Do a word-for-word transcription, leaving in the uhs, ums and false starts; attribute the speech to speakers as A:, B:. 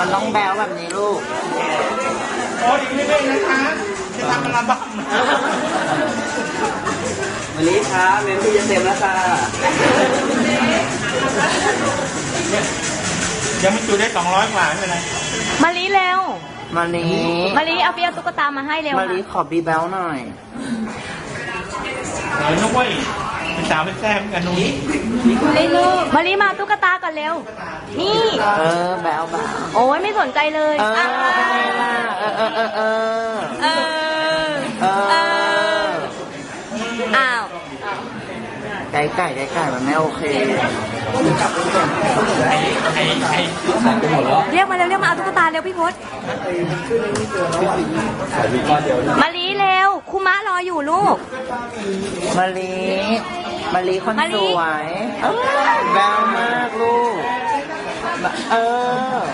A: มันต้องแบวแบบนี้ลูก
B: โอ้ยไม่ไม่นะคะจะทำอัลบั้ม
A: วันนี้ครับเมมที่จะเต็มแล้วค่ะ
B: ยังไม่จุได้สองร้อยกว่าไม่เป็นไร
C: มาลีเร็ว
A: มาลี
C: มาลีเอาเปียตุ๊กตามาให้เร็ว
A: มาลีขอบีแบลหน่อย
B: เออนุ้ยเป็นสาวเป็นแซ่บกันนุ้ย
C: มาลีมาตุ๊กตาก่อนเร็วนี่
A: เออแบลแบล
C: โอ้ยไม่สนใจเลย
A: เออเป็นไงล่ะเออเออเออเออ
C: เออเอออ้าว
A: ไก่ไก่ไก่ไก่มันไม่โอเค
B: ไอ้ไอ้ไอ้
C: เรียกมาเร็วเรียกมาเอาตุ๊กตาเร็วพี่พศมาลีเร็วคุมะรออยู่ลูก
A: มาลีมาลีคนสวยแบลมากลูกเออ